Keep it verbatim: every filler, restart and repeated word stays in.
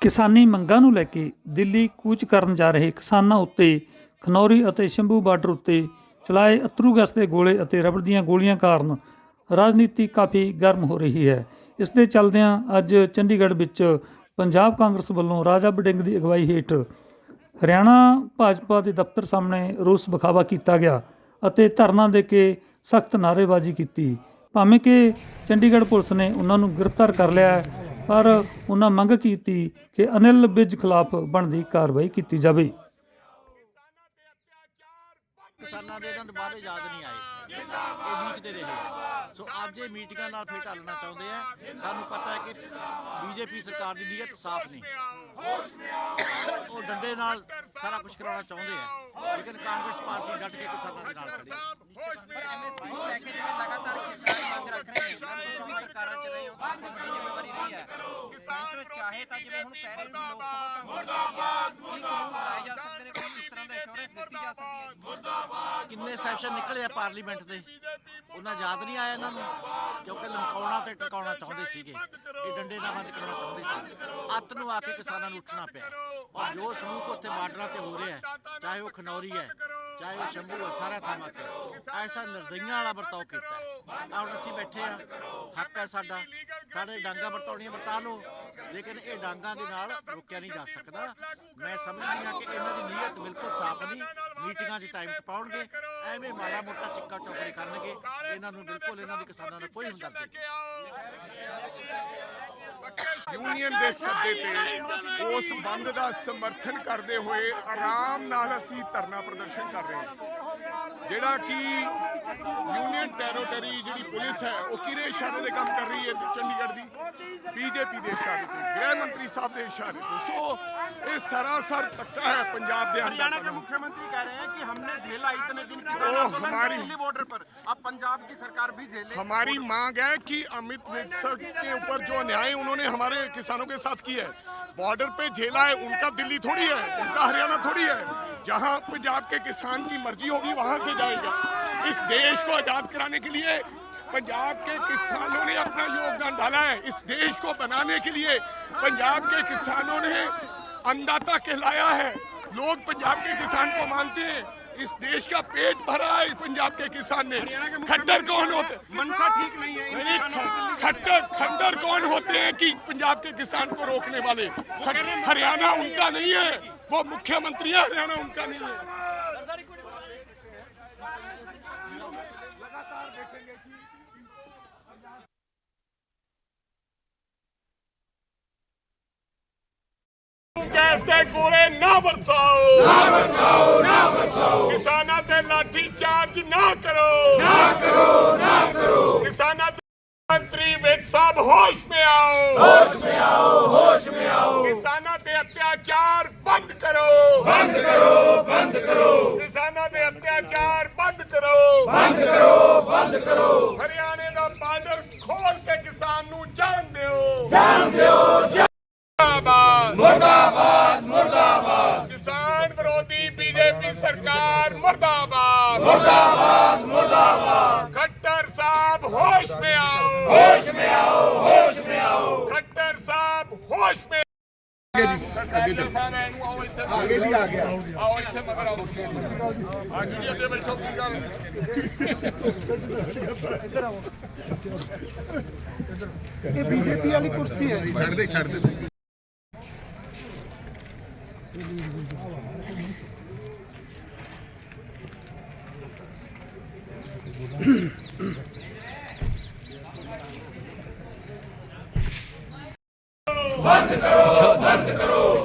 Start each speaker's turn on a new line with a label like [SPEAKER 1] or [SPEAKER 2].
[SPEAKER 1] ਕਿਸਾਨੀ ਮੰਗਾਂ ਨੂੰ ਲੈ ਕੇ ਦਿੱਲੀ ਕੂਚ ਕਰਨ ਜਾ ਰਹੇ ਕਿਸਾਨਾਂ ਉੱਤੇ ਖਨੌਰੀ ਅਤੇ ਸ਼ੰਭੂ ਬਾਰਡਰ ਉੱਤੇ ਚਲਾਏ ਅੱਥਰੂ ਗੈਸ ਦੇ ਗੋਲੇ ਅਤੇ ਰਬੜ ਦੀਆਂ ਗੋਲੀਆਂ ਕਾਰਨ ਰਾਜਨੀਤੀ ਕਾਫੀ ਗਰਮ ਹੋ ਰਹੀ ਹੈ। ਇਸ ਦੇ ਚੱਲਦਿਆਂ ਅੱਜ ਚੰਡੀਗੜ੍ਹ ਵਿੱਚ ਪੰਜਾਬ ਕਾਂਗਰਸ ਵੱਲੋਂ ਰਾਜਾ ਵੜਿੰਗ ਦੀ ਅਗਵਾਈ ਹੇਠ ਹਰਿਆਣਾ ਭਾਜਪਾ ਦੇ ਦਫ਼ਤਰ ਸਾਹਮਣੇ ਰੋਸ ਵਿਖਾਵਾ ਕੀਤਾ ਗਿਆ ਅਤੇ ਧਰਨਾ ਦੇ ਕੇ ਸਖਤ ਨਾਅਰੇਬਾਜ਼ੀ ਕੀਤੀ। ਭਾਵੇਂ ਕਿ ਚੰਡੀਗੜ੍ਹ ਪੁਲਿਸ ਨੇ ਉਹਨਾਂ ਨੂੰ ਗ੍ਰਿਫਤਾਰ ਕਰ ਲਿਆ, ਪਰ ਉਹਨਾਂ ਮੰਗ ਕੀਤੀ ਕਿ ਅਨਿਲ ਵਿਜ ਖਿਲਾਫ ਬਣਦੀ ਕਾਰਵਾਈ ਕੀਤੀ ਜਾਵੇ।
[SPEAKER 2] ਕਿਸਾਨਾਂ ਦੇ ਇਹਨਾਂ ਦੁਬਾਰੇ ਯਾਦ ਨਹੀਂ ਆਏ, ਇਹ ਵੀਕਦੇ ਰਹੇ। ਸੋ ਅੱਜ ਇਹ ਮੀਟਿੰਗਾਂ ਨਾਲ ਫੇਰ ਢਾਲਣਾ ਚਾਹੁੰਦੇ ਆ। ਸਾਨੂੰ ਪਤਾ ਹੈ ਕਿ ਬੀਜੇਪੀ ਸਰਕਾਰ ਦੀ ਨੀਅਤ ਸਾਫ਼ ਨਹੀਂ, ਉਹ ਡੰਡੇ ਨਾਲ ਸਾਰਾ ਕੁਝ ਕਰਾਉਣਾ ਚਾਹੁੰਦੇ ਆ, ਲੇਕਿਨ ਕਾਂਗਰਸ ਪਾਰਟੀ ਡਟ ਕੇ ਕਿਸਾਨਾਂ ਦੇ ਨਾਲ ਖੜੀ ਹੈ।
[SPEAKER 3] ਪਰ ਐਮਐਸਪੀ ਨੂੰ ਲੈ ਕੇ ਜਿਵੇਂ ਲਗਾਤਾਰ ਕਿਸਾਨ ਮੰਗ ਰੱਖ ਰਹੇ ਨੇ, ਤੁਸੀਂ ਵੀ ਸਰਕਾਰਾਂ 'ਚ ਰਹੇ ਹੋ, ਤੁਹਾਡੀ ਵੱਡੀ ਜ਼ਿੰਮੇਵਾਰੀ ਰਹੀ ਹੈ। ਸੈਂਟਰ ਚਾਹੇ ਤਾਂ ਜਿਵੇਂ ਹੁਣ ਕਹਿ ਰਹੇ ਹੋ ਲੋਕ ਸਭਾ ਕਾਂਗਰਸ ਕੀ ਕਾਨੂੰਨ ਬਣਾਏ ਜਾ ਸਕਦੇ ਨੇ, ਕੋਈ ਇਸ ਤਰ੍ਹਾਂ ਦਾ ਇੰਸ਼ੋਰੈਂਸ ਦਿੱਤੀ ਜਾ ਸਕਦੀ ਹੈ।
[SPEAKER 2] ਕਿੰਨੇ ਸੈਸ਼ਨ ਨਿਕਲੇ ਆ ਪਾਰਲੀਮੈਂਟ ਦੇ, ਉਹਨਾਂ ਯਾਦ ਨਹੀਂ ਆਇਆ ਇਹਨਾਂ ਨੂੰ, ਕਿਉਂਕਿ ਲਮਕਾਉਣਾ ਤੇ ਟਿਕਾਉਣਾ ਚਾਹੁੰਦੇ ਸੀਗੇ, ਇਹ ਡੰਡੇ ਨਾਲ ਬੰਦ ਕਰਨਾ ਚਾਹੁੰਦੇ ਸੀ। ਅੱਤ ਨੂੰ ਆ ਕੇ ਕਿਸਾਨਾਂ ਨੂੰ ਉੱਠਣਾ ਪਿਆ, ਔਰ ਜੋ ਸਲੂਕ ਉੱਥੇ ਬਾਰਡਰਾਂ ਤੇ ਹੋ ਰਿਹਾ ਹੈ, ਚਾਹੇ ਉਹ ਖਨੌਰੀ ਹੈ, ਚਾਹੇ ਉਹ ਸ਼ੰਭੂ ਹੈ, ਸਾਰਾ ਥਾਵਾਂ ਤੇ ਐਸਾ ਨਿਰਦਈਆਂ ਵਾਲਾ ਵਰਤਾਓ ਕੀਤਾ ਹੈ। ਹੁਣ ਅਸੀਂ ਬੈਠੇ ਹਾਂ, ਹੱਕ ਹੈ ਸਾਡਾ, ਸਾਡੇ ਡਾਂਗਾ ਵਰਤਾਉਣੀਆਂ ਵਰਤਾ ਲਓ, ਲੇਕਿਨ ਇਹ ਡਾਂਗਾਂ ਦੇ ਨਾਲ ਰੋਕਿਆ ਨਹੀਂ ਜਾ ਸਕਦਾ। ਮੈਂ ਸਮਝਦੀ ਹਾਂ ਕਿ ਇਹਨਾਂ ਦੀ ਨੀਅਤ ਬਿਲਕੁਲ ਸਾਫ਼ ਨਹੀਂ, ਮੀਟਿੰਗਾਂ 'ਚ ਟਾਈਮ ਟਪਾਉਣਗੇ, ਐਵੇਂ ਮਾੜਾ ਮੋਟਾ ਚਿੱਕਾ ਚੌਕੜੀ ਕਰਨਗੇ। ਇਹਨਾਂ ਨੂੰ ਬਿਲਕੁਲ ਇਹਨਾਂ ਦੀ ਕਿਸਾਨਾਂ ਨਾਲ ਕੋਈ ਹਮਦਰਦੀ ਨਹੀਂ।
[SPEAKER 4] यूनियन के सदे पे उस बंद का समर्थन करते हुए आराम नाल असी धरना प्रदर्शन कर रहे हैं। जिहड़ा कि यूनियन टैरोटरी जिहड़ी पुलिस है वो किहदे इशारे दे काम कर रही है, चंडीगढ़ की बीजेपी के इशारे ते, गृह मंत्री साहब के इशारे ते। सो ये सरासर धक्का है पंजाब के।
[SPEAKER 5] हरियाणा के मुख्यमंत्री कह रहे हैं कि हमने झेला इतने दिन किसान
[SPEAKER 4] हमारी
[SPEAKER 5] दिल्ली बॉर्डर पर, अब पंजाब की सरकार भी झेले।
[SPEAKER 4] हमारी मांग है कि अमित विज के ऊपर जो अन्याय उन्होंने हमारे किसानों के साथ किया है, बॉर्डर पे झेला है, उनका दिल्ली थोड़ी है, उनका हरियाणा थोड़ी है। जहां पंजाब के किसान की मर्जी होगी वहां से जाएगा। इस देश को आजाद कराने के लिए पंजाब के किसानों ने अपना योगदान डाला है। इस देश को बनाने के लिए पंजाब के किसानों ने अन्नदाता कहलाया है। लोग पंजाब के किसान को मानते हैं। इस देश का पेट भरा है पंजाब के किसान ने। खट्टर कौन होते,
[SPEAKER 5] मनसा ठीक नहीं है,
[SPEAKER 4] नहीं, खट्टर खट्टर कौन होते हैं कि पंजाब के किसान को रोकने वाले? हरियाणा उनका नहीं है, वो मुख्यमंत्री है, हरियाणा उनका नहीं है। गैस के गोले ना बरसाओ, ना बरसाओ, ना बरसाओ। किसानां ते लाठी चार्ज ना करो, ना करो, ना करो। किसानां ते मंत्री विज साहब होश में आओ, होश में आओ, होश में आओ। किसानां ते अत्याचार बंद करो, बंद करो, बंद करो। किसानां ते अत्याचार बंद करो, बंद करो, बंद करो। हरियाणे दा बार्डर खोल के किसान नू जान दिओ, जान दिओ। मुर्दाबाद, मुर्दाबाद, मुर्दाबाद। किसान विरोधी बीजेपी सरकार मुर्दाबाद, मुर्दाबाद, मुर्दाबाद। खट्टर साहब होश में आओ, होश में आओ, होश में आओ। खट्टर साहब होश में आगे जी आगे भी आ गया। आओ इत्थे मगर आओ, आज जी अगे बैठो की गल।
[SPEAKER 5] ये बीजेपी वाली कुर्सी है।
[SPEAKER 4] छड़ दे, छड़ दे। बंद करो, बंद करो।